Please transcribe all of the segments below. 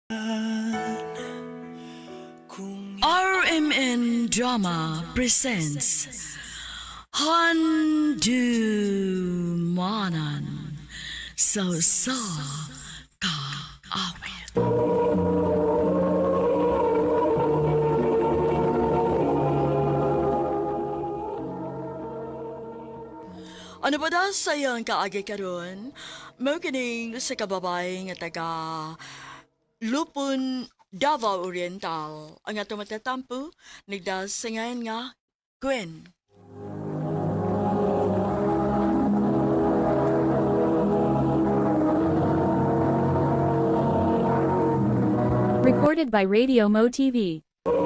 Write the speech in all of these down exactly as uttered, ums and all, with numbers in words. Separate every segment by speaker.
Speaker 1: R M N Drama presents Handumanan So Sa Ka Awit. Ano ba daw sayang kaagi karon? Mao kining sa kababay nga taga Lupon, Davao Oriental. Ang ato matatampo, nagdasingayan nga Gwen.
Speaker 2: Recorded by Radio Mo T V.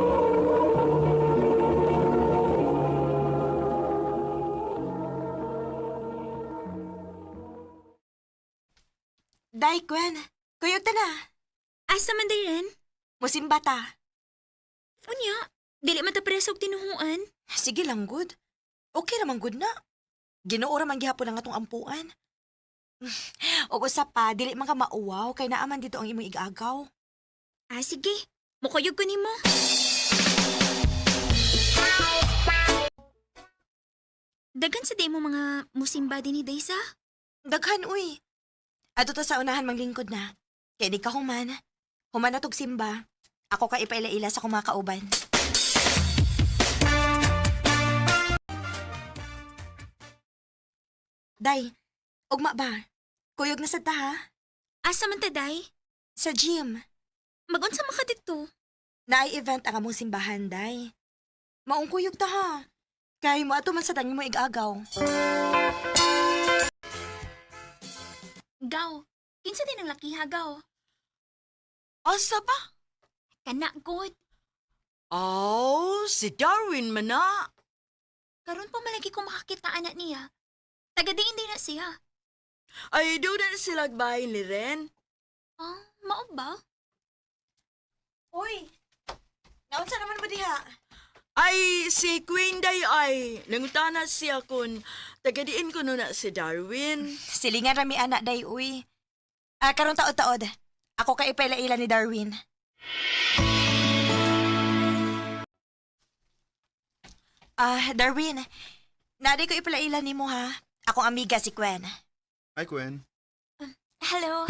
Speaker 3: Day, Gwen. Kuyog ta na.
Speaker 4: Asa man day ren?
Speaker 3: Musimba ta.
Speaker 4: Unya, dili man ta presog tinuhuan.
Speaker 3: Sige lang, good. Okay naman, good na. Ginuora man gihapon ang atong ampuan. O usap pa, dili man ka mauwaw, kay naaman dito ang imong igagaw.
Speaker 4: Ah, sige. Mukuyog ko nimo. Dagan sa day mo mga musimba din ni Daysa.
Speaker 3: Daghan, uy. Ato ta sa unahan manglingkod na. Kaya di ka human. Human na tog simba. Ako ka ipaila-ila sa kumakauban. Day, ugma ba? Kuyog na sad ta ha?
Speaker 4: Asa man ta day?
Speaker 3: Sa gym.
Speaker 4: Magunsa man ka dito?
Speaker 3: Naay-event ang among simbahan, day. Maong kuyog ta ha. Kaya mo ato man sa tangi mo igagaw.
Speaker 4: Gaw. Kinsa din ang laki ha, gaw?
Speaker 1: Asa pa?
Speaker 4: Kana, good.
Speaker 1: Oh, si Darwin man na.
Speaker 4: Karon pa malagi ko makakita anak niya. Tagadiin din na siya.
Speaker 1: Ay, doon na sila bahay ni Ren.
Speaker 4: Ah, mao ba?
Speaker 3: Uy! Naunsa naman ba diha?
Speaker 1: Ay, si Queen Day ay, nangutana siya kung tagadiin ko na si Darwin.
Speaker 3: Silingan rami anak day, uy. Ah, karong taod-taod. Ako ka ipaila-ila ni Darwin. Ah, Darwin. Nadi ko ipaila-ila ni mo ha. Akong amiga si Gwen.
Speaker 5: Hi, Gwen.
Speaker 4: Hello.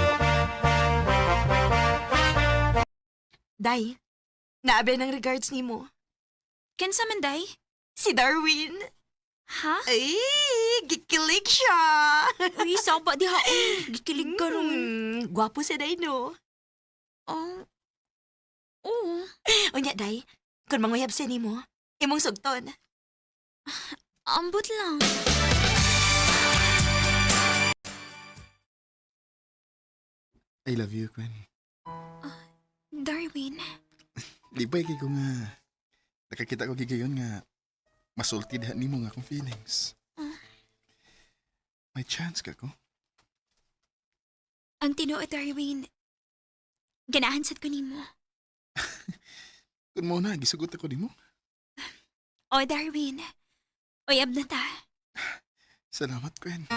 Speaker 3: Day, naabi ng regards ni mo.
Speaker 4: Kinsa man day?
Speaker 3: Si Darwin.
Speaker 4: Ha?
Speaker 3: Ay, gikilig siya.
Speaker 4: Uy, saba di ha. Uy, gikilig ka ron.
Speaker 3: Hmm, gwapo si Day, no?
Speaker 4: Oh. Oo.
Speaker 3: Unya, Day, kung manguyab siya ni mo, imong sugton.
Speaker 4: Ambot lang.
Speaker 5: I love you, Gwen.
Speaker 4: Darwin.
Speaker 5: Di ba ikay ko nga nakakita ko gigayon nga masulti diha nimo nga akong feelings. May chance ka ko.
Speaker 4: Ang tinuod, Darwin. Ganahan sad ko nimo.
Speaker 5: Kun mo na, gisugot ako nimo.
Speaker 4: O, Darwin. Uyab na ta.
Speaker 5: Salamat, Gwen.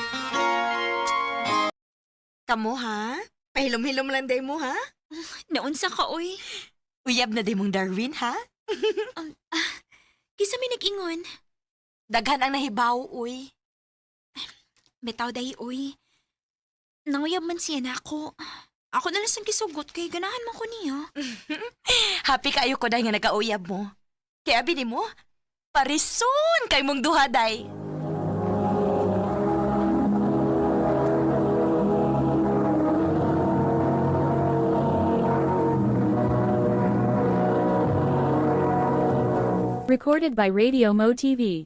Speaker 3: Kamo, ha? Pahilom-hilom lang day mo, ha?
Speaker 4: Naunsa ka, uy.
Speaker 3: Uyab na day mong Darwin, ha?
Speaker 4: Um, ah, kisa may nag-ingon.
Speaker 3: Daghan ang nahibaw, uy.
Speaker 4: Betaw day, uy. Nanguyab man siya na ako. Ako na lang sang gisugot kay ganahan man ko niya.
Speaker 3: Happy kayo ko day nga nagkauyab mo. Kaya bini mo, parison kay mong duha, day.
Speaker 2: Recorded by Radio Mo T V.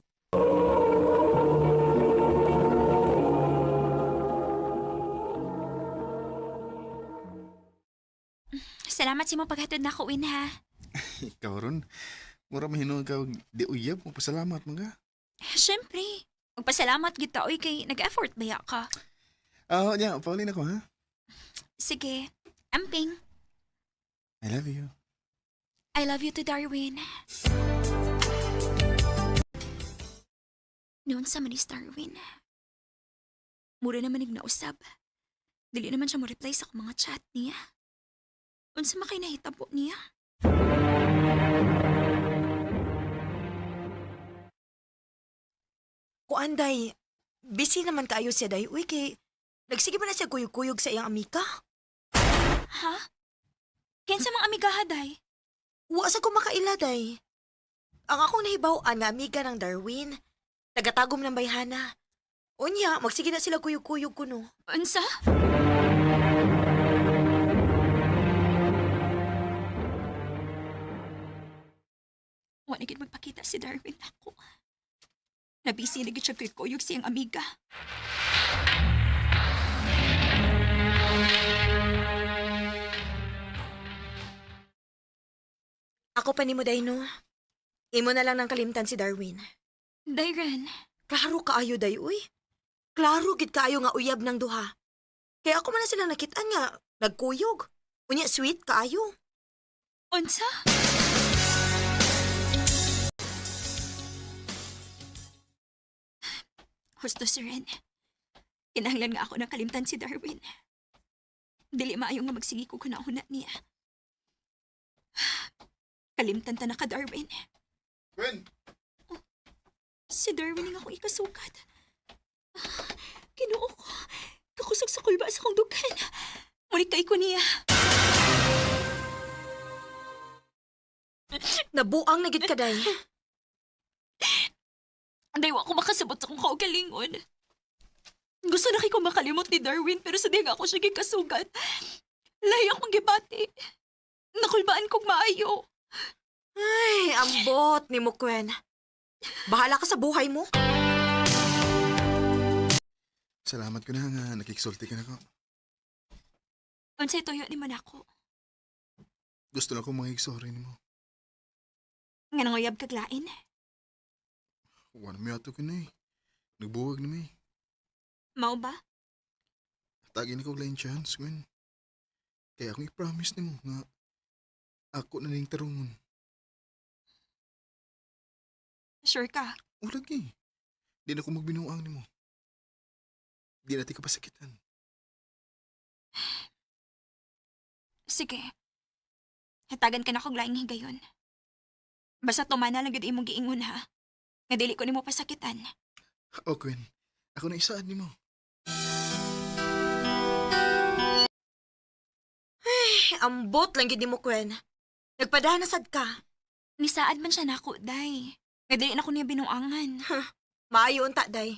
Speaker 4: Salamat si mo paghatod na ko, Win, ha.
Speaker 5: Ikaw ron, mura mahinog ka og di uyab mo pasalamat mga.
Speaker 4: Siyempre. Magpasalamat kita, uy, kay nag-effort baya ka.
Speaker 5: Ah, uh, yeah, Pauline ako ha.
Speaker 4: Sige. Amping.
Speaker 5: I love you.
Speaker 4: I love you to Darwin. Noon sa manis Darwin. Mura naman nagnausab. Dili naman siya mo reply sa akong mga chat niya. Unsa makay nahitabo niya?
Speaker 3: Kuan day, busy naman kaayo siya day. Uy, kay nagsige pa na siya kuyog-kuyog sa iyang amika.
Speaker 4: Ha? Kinsa mang amigaha, day?
Speaker 3: Wa sa ko makaila day. Ang akong nahibaw-an nga amiga ng Darwin, tagatagom ng bayhana. Unya, magsige na sila kuyog-kuyog kuno.
Speaker 4: Unsa? Wa na gid magpakita si Darwin ako. Nabisi na gid siya kay kuyog siyang amiga.
Speaker 3: Ako pa ni mo day no. Imo na lang ng kalimtan si Darwin.
Speaker 4: Dayran,
Speaker 3: Klaro kaayo day, uy. Klaro gid kaayo nga uyab ng duha. Kaya ako man na silang nakitaan nga, nagkuyog. Unya, sweet kaayo.
Speaker 4: unsa? Husto si Ren. Kinahanglan nga ako ng kalimtan si Darwin. Dili maayo nga magsigi ko kunahuna niya. Kalimtan ta na ka, Darwin.
Speaker 5: Gwen!
Speaker 4: Si Darwin nga akong ikasukat. Kinuo ko. Kakusog sa kulba sa kong dugan. Mulit kay ko niya.
Speaker 3: Nabuang na gid ka day.
Speaker 4: Anday wa ko makasabot sa kong kaugalingon. Gusto na kay ko makalimot ni Darwin pero sa diya nga ako siya gikasugat. Lahi akong gibati. Nakulbaan kong maayo.
Speaker 3: Ay, ambot ni mo, Gwen. Bahala ka sa buhay mo.
Speaker 5: Salamat ko na nga, nakiksulti ka na ko.
Speaker 4: Unsay toyo ni man ako.
Speaker 5: Gusto lang ko makiksorry ni mo.
Speaker 4: Nga nangoyab kaglain.
Speaker 5: Wala may ato ka na eh. Nagbuwag na may.
Speaker 4: Mao ba?
Speaker 5: Tagin ko lang chance, Gwen. Kaya akong i-promise ni mo nga ako na ning tarungon.
Speaker 4: Sure ka?
Speaker 5: Ulag eh. Di na ko magbinuang ni mo. Di natin kapasakitan.
Speaker 4: Sige. Hatagan ka na kong laing higayon. Basta tumana lang gud imong giingon ha. Nga dili ko nimo pasakitan.
Speaker 5: O, Gwen. Ako na isaan ni mo.
Speaker 3: Ay, ambot lang gid ni mo, Gwen. Nagpadanasad ka.
Speaker 4: Nisaad man siya nako, day. Nga dili na ko niya binuangan.
Speaker 3: Maayo unta, day.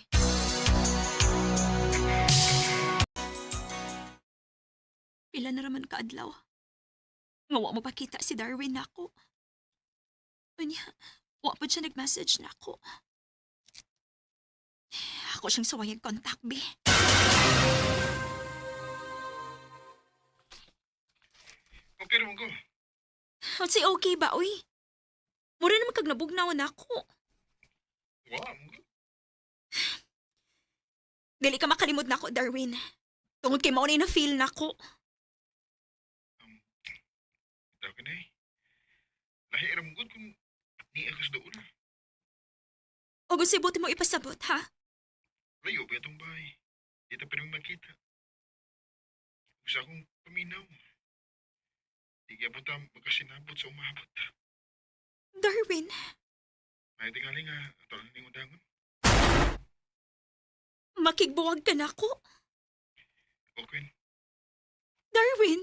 Speaker 4: Pila na raman kaadlaw. Nga wa mo pakita si Darwin nako. Unya, wa pa siya nag-message nako. Ako siyang sawayang contact, be.
Speaker 5: Okay naman ko.
Speaker 4: At si okay ba, uy? Mura naman kag nabugnawan ako.
Speaker 5: Wow.
Speaker 4: Dili ka makalimod na ako, Darwin. Tungod kay maunay na feel na ako.
Speaker 5: Ito ka na eh. Lahi aram good kung ni akas doon.
Speaker 4: O gusto buti mo ipasabot, ha?
Speaker 5: Layo ba itong bahay? Di ta pwede makita. Gusto akong paminaw. Di kaya po ta magkasinabot sa umabot.
Speaker 4: Darwin,
Speaker 5: May tingali nga, ito lang ning undangon.
Speaker 4: makigbuwag ka na ako.
Speaker 5: Okay.
Speaker 4: Darwin!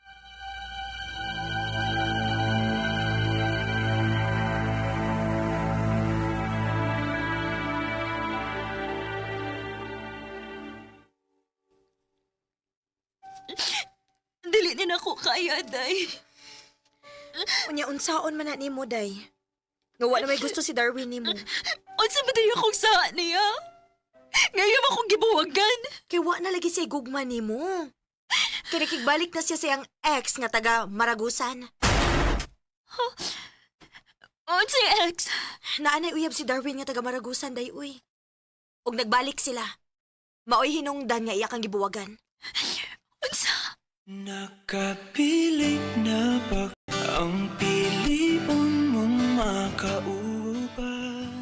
Speaker 4: Dili din ako kaya, day.
Speaker 3: Unya, unsaon man na ni mo, day. Nga wala may gusto si Darwin ni mo.
Speaker 4: Unsa ba tayo akong sa niya? Ngayon akong gibuwagan.
Speaker 3: Kay wa na lagi siya gugma ni mo. Kaya nakigbalik na siya sa iyang ex nga taga Maragusan.
Speaker 4: Unsa ex?
Speaker 3: Naanay uyab si Darwin nga taga Maragusan, day, uy. Og nagbalik sila. Maoy hinungdan nga iya kang gibuwagan.
Speaker 4: Unsa?
Speaker 6: Nakapili na ba ang piliun mong makauban?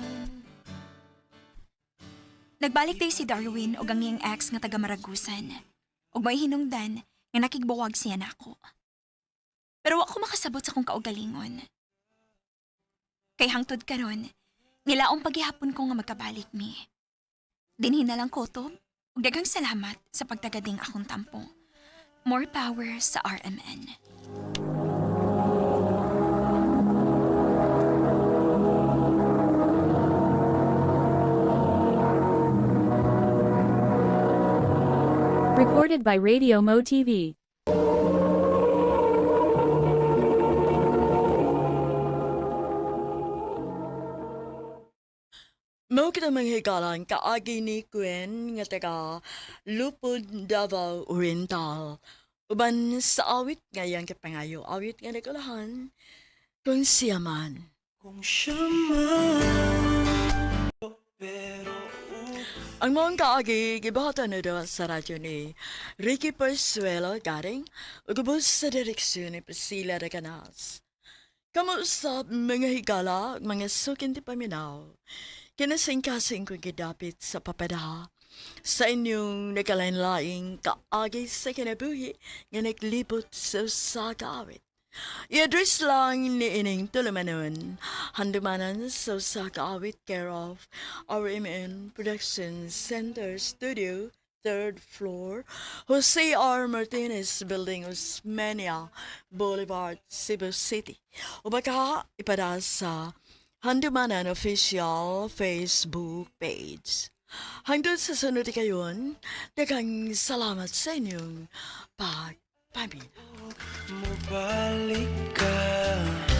Speaker 4: Nagbalik day si Darwin o ang iyang ex nga taga Maragusan. Ug may hinungdan nga nakigbuwag siya nako. pasabot sa kong kaugalingon. Kay hangtod karon, nilaong paghihapon ko nga magkabalik mi. Dinhi na lang kotob, ug daghang salamat sa pagtagading akong tampo. More power sa R M N.
Speaker 2: Recorded by Radio Mo T V.
Speaker 1: Mao kita manghigalan kaagi ni Gwen nga taga Lupod, Davao Oriental. Uban sa awit ngayang kapangayo, awit nga nagulahan kung siya man.
Speaker 6: Kung siya man pero
Speaker 1: Ang mga kaagi, gibahatan na daw sa radyo ni Ricky Persuelo garing ugubos sa direksyon ni Priscilla Reganas. Kamusta mga higala, mga sukin ti paminaw, kinasing-kasing ko gidapit sa papadaha sa inyong nagkalain-laing kaagi sa kinabuhi nga naglibot sa sa kaawit. I-address lang ni Ining Tulumanon, handumanan sa sa kaawit care of R M N Production Center Studio, third floor, Jose R. Martinez Building, Osmeña Boulevard, Cebu City. O baka ipada sa Handumanan Official Facebook page. Hanggang sa sunod kayon, daghang salamat sa inyong pagpaminaw.
Speaker 6: mabalik ka